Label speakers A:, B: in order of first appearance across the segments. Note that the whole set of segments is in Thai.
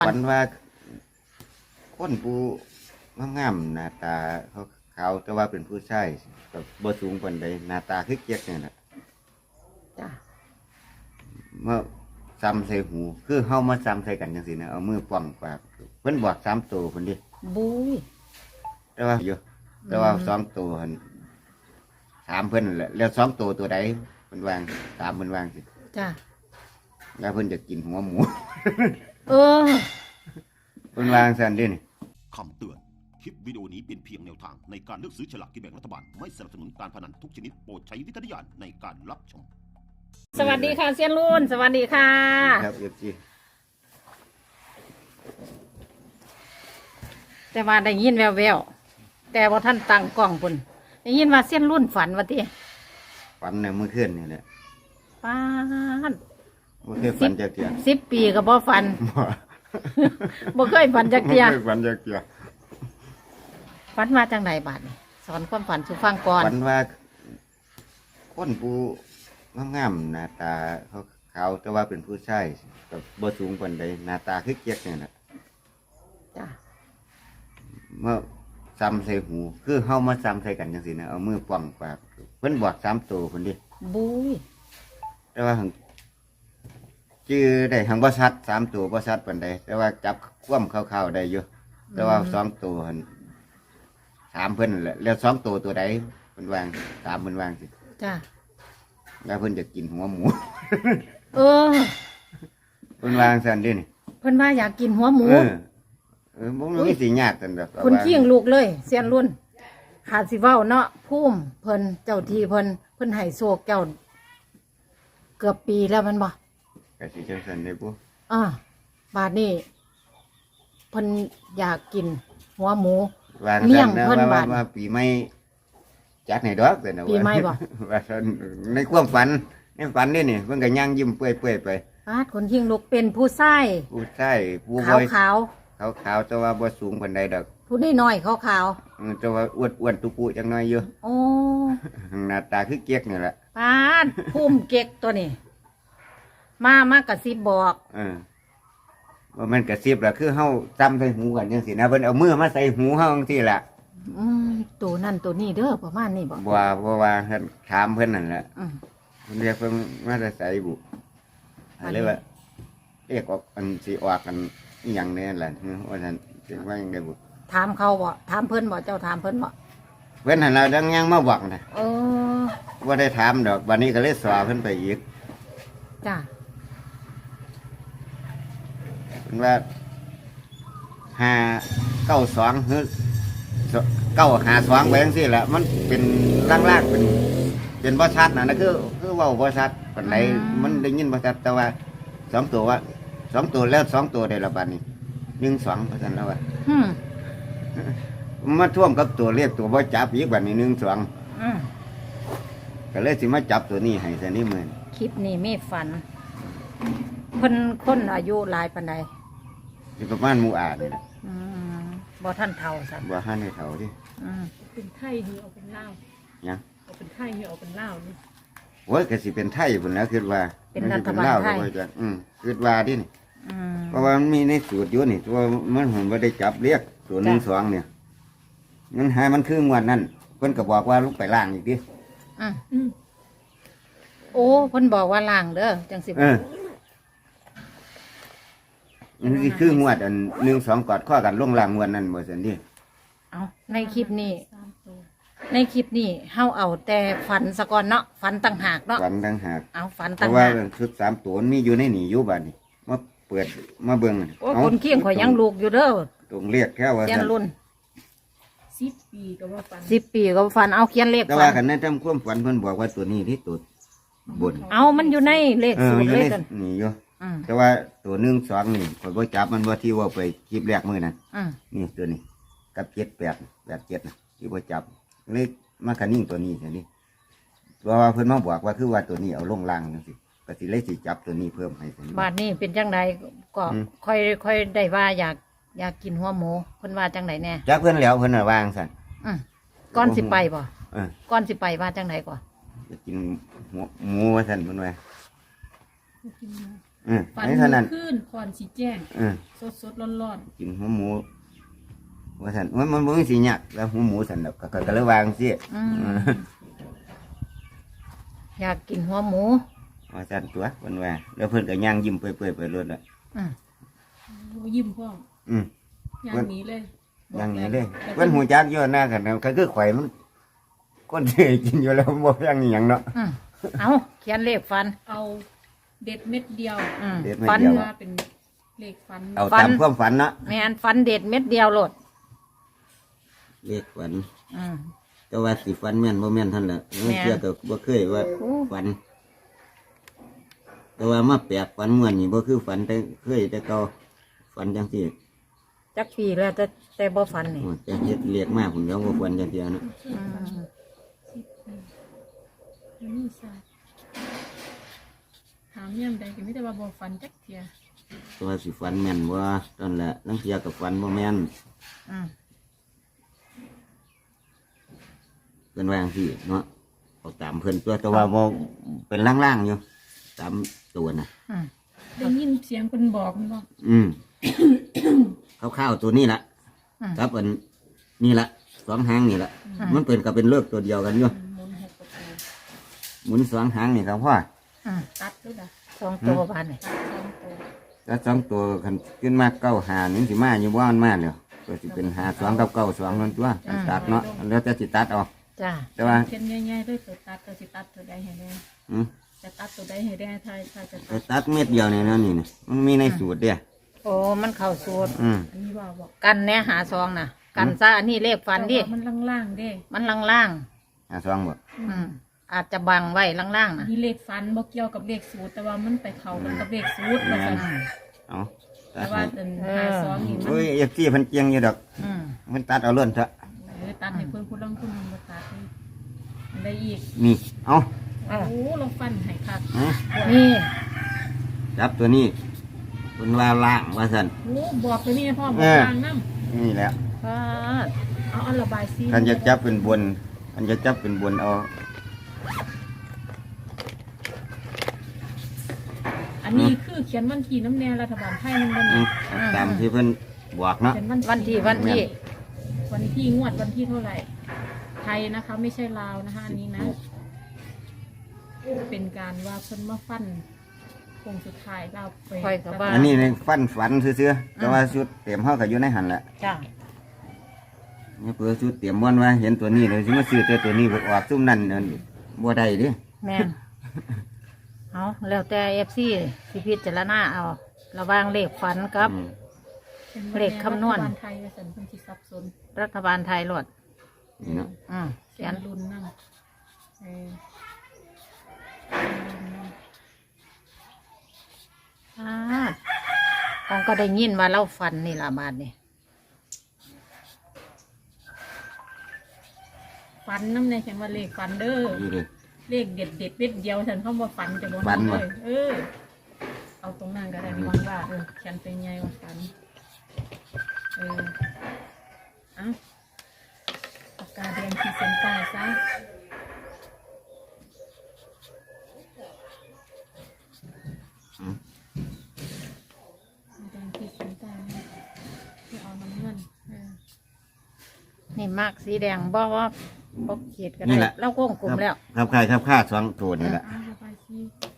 A: ฝันว่าคนผู้งามๆหน้าตาเขาขาวแต่ว่าเป็นผู้ชายแบบบ่สูงปานใดหน้าตาคือเกียกนี่แหละ
B: จ้ะ
A: เมื่อซ้ำใส่หูคือเฮามาซ้ำใส่กันจังซี่นะเอามือป้องปากเพิ่นบอก3ตัวเพิ่นดิ
B: บุ้ย
A: แต่ว่าอยู่แต่ว่า2ตัวหั่นถามเพิ่นนั่นแหละแล้ว2ตัวใดเพิ่นวางถามเพิ่นวางสิ
B: จ้ะ
A: แล้วเพิ่นจะกินหัวหมู
B: เออ
A: เพิ่นวางซั่นดินี่
C: คำเตือน คลิปวิดีโอนี้เป็นเพียงแนวทางในการเลือกซื้อฉลากกินแบ่งรัฐบาล ไม่สนับสนุนการพนันทุกชนิดโปรดใช้วิจารณญาณในการรับชม
B: สวัสดีค่ะเซียนรุ่นสวัสดีค่ะ
A: ครับ FG
B: แต่ว่าได้ยินแววๆแต่ว่าท่านตั้งกล้องปุ่นได้ยินว่าเซียนรุ่นฝันว่าติ
A: ฝันเนี่ยเมื่อคืนนี่แหละ
B: ป้าด
A: บ่เคยฝันจักเที่ย
B: 10 ปีก็บ่ฝัน
A: บ่
B: บ่เคยฝันจักเที่ย
A: บ่เคยฝันจักเที่ย
B: ฝันมาจังไหนบาดนี่สอนความฝันสู่ฟังก่อน
A: ฝันว่าคนผู้งามๆหน้าตาเขาขาวแต่ว่าเป็นผู้ชายแบบบ่สูงปานใดหน้าตาคือเกียกนี่แหละ
B: จ้ะ
A: เมื่อซ้ำใส่หูคือเฮามาซ้ำใส่กันจังซี่นะเอามือป้องปากเพิ่นบอก3ตัวเพิ่นดิ
B: บุ้ย
A: แต่ว่าหังชื่อได้หังบ่ชัด3ตัวบ่ชัดปานใดแต่ว่าจับความคร่าวๆได้อยู่แต่ว่า2ตัวหั่นถามเพิ่นนั่นแหละแล้ว2ตัวใดเพิ่นวางถามเพิ่นวางสิ
B: จ้ะ
A: แล้วเพิ่นจะกินหัวหมู
B: เออ
A: เพิ่นวางซั่นดินี่
B: เพิ่นว่าอยากกินหัวหมู
A: บ่มีสิยากซั่นดอก
B: คนขี้งลูกเลยเซียนรุ่นขาดสิเว้าเนาะพุ่มเพิ่นเจ้าที่เพิ่นให้โชคเจ้าเกือบปีแล้วแมันบ่
A: ก็สิจังซั่นได้บ่
B: บาดนี้เพิ่นอยากกินหัวหมู
A: วาง
B: เมี่ย
A: ซั่
B: ง
A: นนะ
B: เพิ่น
A: ว่า
B: บาด
A: ว่าปีใหม่จัดให้ดอกซั่นน่ะ
B: ปีใหม่บ่
A: ว่าซั่นในความฝันในฝันนี่เพิ่นก็ย่างยิ้มเปื่อยๆไป
B: บาดคนขี้งลูกเป็นผู้ชาย
A: ผู้ชายผู้
B: ขาว
A: บ่
B: ขาว
A: ขาวๆแต่ว่าบ่สูงปานใดดอก
B: ผู้น้อยๆขาวขาว
A: แต่ว่าอ้วนๆตุปุจังน้อยอยู่
B: ๆโอ้
A: หน้าตาคือเกียกนี่แหละ
B: บาดพุ่มเก๊กตัวนี้มากระซิบบอก
A: ว่ามันกระซิบล่ะคือเฮาจำใส่หูกันจังซี่นะเพิ่นเอามือมาใส่หูเฮาจังซี่ล่ะ
B: อืมตัวนั่นตัวนี้เด้อประมาณนี้บ่
A: บ่ว่าเพิ่นถามเพิ่นนั่นแหละ
B: อืม
A: เพิ่นเรียกเพิ่นมาแต่ไสบุ
B: อันนี้
A: เลยว่าเรียกออกอันสิออกกันอีหยังแน่ล่ะว่าซั่นสิว่าจังไดบุ
B: ถามเขาบ่ถามเพิ่นบ่เจ้าถามเพิ่นบ่
A: เพิ่นหั่นล่ะดังยังมาบอกน่ะ
B: เออ
A: บ่ได้ถามดอกบัดนี้ก็เลยสอเพิ่นไปอีก
B: จ้ะ
A: เพิ่นว่า592คือ952ไว้จังซี่ล่ะมันเป็นล่างๆเป็นบ่ชัดน่ะนะคือเว้าบ่ชัดปานใดมันได้ยินบ่ชัดแต่ว่า2ตัวว่า2ตัวแล้ว2ตัวได้ละบัดนี้1 2ว่าซั่นแล้วว่า
B: อืม
A: มาท่วมกับตัวเลขตัวบ่จับอีกบัดนี้1
B: อืม
A: 2ก็เลยสิมาจับตัวนี้ให้ซะนี่มื้อ
B: คลิปนี้มีฝันเพิ่นคนอายุหลายปานใด
A: สิประมาณหมู่อานี่ล่ะ
B: อืมบ่ท่านเฒ่าซั่น
A: บ่ทันได้เฒ่าดิ
B: อืม
D: เป็นไทยนี่เอาเป็นลาว
A: หยัง
D: เอาเป็นไทยนี่เอาเป็นลาวนี่
A: โอ้ยก็สิเป็นไทยพุ่นแล้วคิดว่า
B: เป็นรัฐบาลไทย
A: มันสิเป็นลวก็บ่จักคิดว่าดินี่
B: อืม
A: เพราะว่ามันมีในสูตรอยู่นี่ตัวมันผมบ่ได้จับเรียกตัว1 2เนี่ยมันหามันคืองวดนั้นเพิ่นก็บอกว่าลงไปล่างอีกดิ
B: อืม
D: อืม
B: โอ้เพิ่นบอกว่าล่างเด้อจังสิ
A: มันสิคืองวดอัน1 2กอดข้อกันลงล่างงวดนั้นบ่ซั่นดิ
B: เอาในคลิปนี้
D: สามตัว
B: ในคลิปนี้เฮาเอาแต่ฝันซะก่อนเนาะฝันต่างหากเนาะ
A: ฝันต่างหาก
B: เอาฝัน
A: เพ
B: ต่าง
A: ราะว่า
B: หาก
A: ชุด3ตัวมันมีอยู่ในนี่อยู่บัดนี้มาเปิดมาเบิ่ง
B: โอ้ยคนเคียงข่อยยังลูกอยู่เด้อ
A: ตรงเรียกแค่ว่า
B: เขียน
A: ซั่น
B: รุ่น
D: 10 ปีก็ว่าปัน
B: 10 ปีก็ฝันเอาเขียนเลข
A: แต่
B: ฝั
A: ว่าน คันนั้นทำความฝันเพิ่นบอกว่าตัวนี้ที่ตัวบน
B: เอามันอยู่ในเลขสู
A: มั
B: ต
A: น
B: ร
A: อยู่
B: เล
A: ใน
B: ขกัน
A: นี่อยู่
B: อืม
A: แต่ว่าตัว1 2นี่ข่อยบ่จับมันบ่ที่ว่าไปคลิปแรกมื้อนั้น
B: อืม
A: นี่ตัวนี้กับ78นะที่บ่จับเลยมาคันนิ่งตัวนี้แค่นี้เพราะว่าเพิ่นมาบอกว่าคือว่าตัวนี้เอาลงล่างจังซี่ก็สิเลยสิจับตัวนี้เพิ่มให้ซั่น
B: บาดนี้เป็นจังไดก็
A: อืม
B: ค่อยได้ว่าอยากกินหัวหมูเพิ่นว่าจังไดแน่
A: จักเพิ่นแล้วเพิ่นน่ะวางซั่น
B: อืมก่อนสิไปบ่
A: เออ
B: ก่อนสิไปว่าจังไดก่อน
A: จะกินหมูว่าซั่นเพิ่นว่า
D: ฝัน
A: นี่เท่านั้น
D: ขึ้นก่อนสิแจ้ง สดร้อน
A: กินหัวหมูว่าซั่นมันบ่มีสิยากแล้วหัวหมูซั่นดอกก็เลยวางสิ
B: อยากกินหัวหมู
A: ว่าซั่นตัวเพิ่นว่าแล้วเพิ่นก็ย่างยิ้มเปื่อยๆไปรถละ
B: อืม
D: ๆยิ้มพ่อ
A: อืม
D: อย่างนี้เลย
A: ย่างนี้เลย
D: แต่
A: เพิ่นหูจักอยู่หน้ากันก็คือข่อยมันคนที่กินอยู่แล้วบ่ย่างอีหยังเนาะ
B: เอาเขียนเลขฟัน
D: เอาเด็ดเม็ดเดียว
A: เด็ดเม็ด
B: ฟัน
A: เดียว
D: ว่าเป็นเลขฟัน
A: เอาตามความฝันเนาะ
B: แม่นฟันเด็ดเม็ดเดียวโลด
A: เลขฝัน
B: อืม
A: แต่ว่าสิฝันแม่นบ่แม่นท่านละ
B: แม่น
A: เชื่อก็บ่เคยว่า
B: โอ้
A: ฝัน แต่ว่ามาแปลกฝันม่วนนี่บ่คือฝันแต่เคยแต่เก่าฝันจังซี่
B: จักปีแล้วแต่บ่ฟันนี่
A: โอ้แต่เฮ็ดเรียกมากผมยังบ่ฝันจังซี่นะ
B: อืม
D: นี่ซะถามย่ำใดก็ไม่ได้ว่าบ่ฟันจักเทีย
A: แต่ว่าสิฝันแม่นบ่ตอนละลังเที่ยก็ฝันบ่แม่น
B: อืม
A: เพิ่นว่าจังซี่เนาะเอาตามเพิ่นตัวแต่ว่าบ่เป็นล่างๆอยู่ตามตัวน่ะ
B: อืม
D: ได้ยินเสียงคนบอกมันบอก
A: คร่าวๆตัวนี้ล่ะครับอันนี่ล่ะสองหางนี่ล่ะมันเป็นก็เป็นเลิกตัวเดียวกันอยู่
D: หมุนหกประตู
A: หมุนสองหางนี่ครับพ่อ
B: อืม
D: ตัดด้วยล่ะ
B: สองตัวบานนี่
D: ตัดสองตัว
A: แล้วสองตัวคันขึ้นมาเก้าหานี่สิมาอยู่บ่มันมาแล้วก็สิเป็นหาสองกับเก้าสองนั่นตัวอันตัดเนาะอันแล้วแต่สิตัดเอา
B: จ้า
A: แต่ว่า
D: เขียนง่ายๆด้วยตัวตัดตัวสิตัดตัวใดให้ได้
A: อืม
D: จะตัดตัวใดให้ได้ถ้าจะ
A: ไป
D: ตัด
A: ตัดเม็ดเดียวนี่นะนี่นะมันมีในสูตรเด้อ
B: โอ้มันเข้าสูตร
D: อันนี้ว่าบอก
B: กันแน่หาซองน่ะ กันซะอันนี้เลขฟันดิ
D: แต่ว่ามันล่างๆเด้
B: มันล่าง
A: หาสองบ่
B: ๆอืมอาจจะบังไว้ล่างๆน่ะ
D: มีเลขฟันบ่เกี่ยวกับเลขสูตรแต่ว่ามันไปเข้ากันกับเลขสูตรว่าซั่น
A: เอาตั
D: แต่
A: ด
D: ว่า
A: ให้
D: เป็น52นี่มัน
A: โอ้ยเอฟซีเพิ่นเกียงอยู่ดอก
B: อืม
A: มันตัดเอาล้นเถอะ
D: ตัดให้เพิ่นผู้ลงทุนมันบ่ตัดให้อันใดอีก
A: นี่เอา
D: โอ้เราฟันให้คัก
A: อืม
B: นี่
A: จับตัวนี้เพิ่นว่าล่างว่าซั่น
D: โอ้บอกตัวนี้พ่อบอกทางนำ
A: นี่แหละ
B: ฟาด
D: เอาระบายซี
A: ท่านจะจับเป็นบนท่านจะจับเป็นบนเอา
D: อันนี้คือเขียนวันที่น้ำแน่รัฐบาลไทยมันบ่
A: อื
D: นี่
A: มตามที่เพิ่นบอกเนาะ
D: เขียน
B: วันที่
D: วันที่งวดวันที่เท่าไหร่ ไทยนะคะ ไม่ใช่ลาวนะคะ อันนี้นะ เป็นการว่าเพิ่นมาฟันคงสุดท้ายเราไป
B: ค่อยกับว่า
A: อันนี้ในฟันฝันซื่อๆแต่ว่าชุดเตรียมเฮาก็อยู่ในหันแหละ
B: จ้า
A: นี่เพื่อชุดเตรียมบ่นว่าเห็นตัวนี้เลยสิมาซื้อตัวนี้ไปออกซุ่มนั่นนั่นบ่ได้เดิ
B: แม่นเอาแล้วแต่เอฟซีสิพิจารณาเอาระหว่างเลขฝันกับ เลขคำนวณ
D: รัฐบาลไทยว่าสันเพิ่นสิสับสน
B: รัฐบาลไทยรวด
A: นี่เนาะ
B: เขี
D: เขี
B: ย
D: ย
B: น
D: นรุ่นนั่งเออ
B: ของก็ได้ยินว่าเล่าฟันนี่ละบาทนี่
D: ฟันน้ำในเขียนว่าเลขฟันเด้อ
A: นี่เลย
D: เลขเด็ดเด็ดเด็ดเดียวฉันเข้ามาฟันจะบน
A: ฟัน
D: เล
A: วะ
D: ยเอาตรงนั้นก็ได้มีวังว่าเขียนเป็นไงว่าฟันเอาปากกาแดงขีดเส้นใต้ซะแดงขีดเส้นใต้นะที่เอาน้ำเงิน
B: นี่มากสีแดงบอกว่าบอกเขียดกัน
A: นี่
B: ได้
A: แหละ
B: เราโก้งกลุ่มแล้ว
A: ครับค่ายครับค่าสองตัวนี่แหละ
D: เอาระบายสี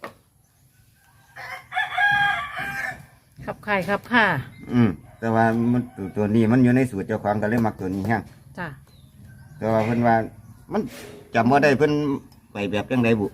B: ขับไข่ขับข่า
A: แต่ว่ามันตัวนี้มันอยู่ในสูตรเจ้าของก็เลยมักตัวนี้แห้ง
B: จ้ะ
A: แต่ว่าเพิ่นว่ามันจำว่าได้เพิ่นไปแบบจังไดบุ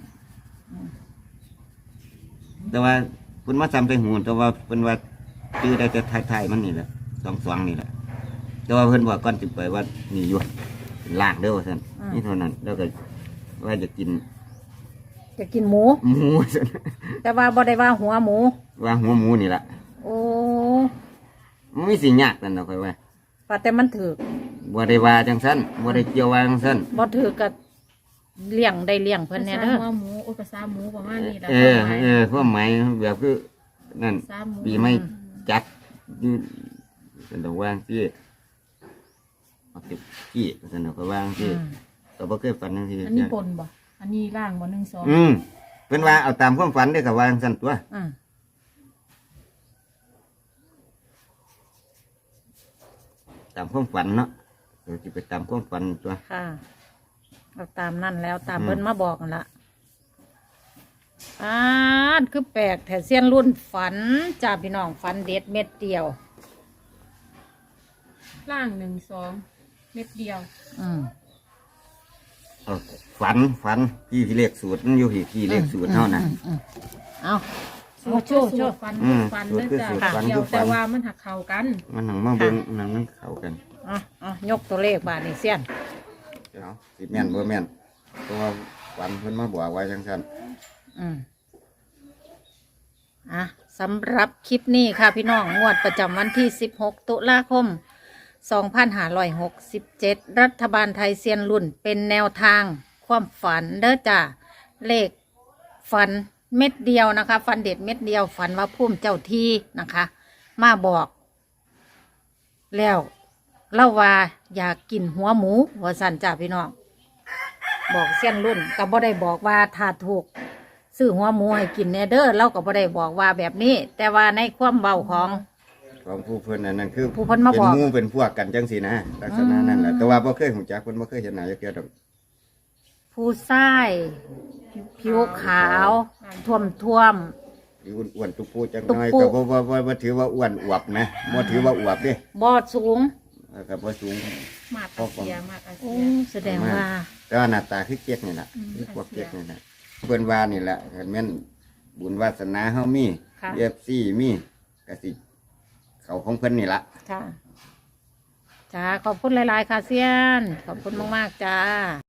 A: แต่ว่าเพิ่นมาซ้ำไปหูแต่ว่าเพิ่นว่าชื่อได้แต่ไทยๆมันนี่แหละสองนี่แหละแต่ว่าเพิ่นว่าก่อนสิไปว่านี่อยู่เป็นล่างเด้อว่าซั่นนี่เท่านั้นแล้วก็ว่าจะกิน
B: จะกินหมู
A: หมูว่าซั่น
B: แต่ว่าบ่ได้ว่าหัวหมู
A: ว่าหัวหมูนี่ล่ะ
B: โอ้
A: มันมีสิยากนั่นเนาะค่อยว่า
B: ว่าแต่มันถือ
A: บ่ได้ว่าจังซั่นบ่ได้เกี่ยวว่าจังซั่น
B: บ่ถือกับเลี้ยงได้เลี้ยงเพิ่น
D: ภา
B: เนี่ย
D: ษา
B: เด้อ
D: หัวหมูภาษาหมูประมาณนี้แหละ
A: ความหมายแบบคือนั่น
D: ภาษาหมู
A: ปีไม่จัดอยู่เป็นตัวว่างที่เอาเก็บขี้เป็นตัวว่างที่ก็บ่เคยฝันจังซี่
D: อันนี้บนบ่ อันนี้ล่างบ่1 2
A: เป็นว่าเอาตามความฝันได้อกับว่าจังซั่นตัว
B: อืม
A: ตามความฝันเนาะจะไปตามความฝันตัว
B: ค่ะเอาตามนั่นแล้วตามเพิ่นมาบอกนั่นละคือแปลกแต่เสี้ยนรุ่นฝันจ้าพี่น้องฝันเด็ดเม็ดเดียว
D: ล่าง1 2 เม็ดเดียว
A: เอาฝันพี่เลขสูตรมันอยู่ที่เลขสูตรเท่านั้น
B: เอา
D: สูตร
B: โชว์
D: สูตรฟัน ฟัน
A: สูตร
D: เด้อ
A: คือ
D: จ้ะ
A: สูตรฟัน
D: เดีย
A: คื
D: ว
A: อฟัน
D: แต่ว่ามันหักเข่ากัน
A: มันหนังมาเบิ่งหนังมันเข้ากัน
B: ยกตัวเลขบาทนี่เสี้ยน
A: เอาสิแม่นบ่แม่นเพราะว่าฝันเพิ่นมาบอกไว้จังซั่น
B: สำหรับคลิปนี้ค่ะพี่น้องงวดประจำวันที่ 16 ตุลาคม 2567 รัฐบาลไทยเซียนรุ่นเป็นแนวทางความฝันเด้อจ้าเลขฝันเม็ดเดียวนะคะ ฝันเด็ดเม็ดเดียวฝันว่าพุ่มเจ้าที่นะคะ มาบอก แล้วเล่าว่าอยากกินหัวหมูว่าสันจ้าพี่น้องบอกเซียนรุ่นก็บ่ได้บอกว่าถ้าถูกซื้อหัวหมูให้กินแน่เด้อเราก็บ่ได้บอกว่าแบบนี้ แต่ว่าในความเบาของ
A: ผู้เพิ่นอันนั้นคือ
B: ผู้เพิ่นมาบอก
A: เป็นหมู่เป็นพวกกันจังซี่นะลักษณะนั้นแหละแต่ว่าบ่เคยฮู้จักเพิ่นบ่เคยเห็นหน้าจักเทื่อดอก
B: ผู้ชายผิวขาวท่วม
A: ที่อ้วนๆตุ๊ปูจัง
B: ตุ๊
A: น้อย
B: ปู
A: ก็บ่ถือว่าอ้วนอวบนะบ่ถือว่าอวบเด้
B: บอดสูง
A: ก็บ่สูง
D: มาดอาเซียมาดอา
B: โอ้
D: เซีย
B: แสดงว่า
A: แต่ว่าหน้าตาคือเก๊กนี่ล่ะ
D: อืม
A: คือพวกเก๊กนี่ล่ะเพิ่นว่านี่แหละคันแม่นบุญวาสนาเฮามี
B: ค่ะ
A: FC มีก็สิเขาของเพิ่นนี่ล่ะ
B: ค่ะจ้าขอบคุณหลาย ๆ ค่ะเซียน ขอบคุณมาก ๆ จ้า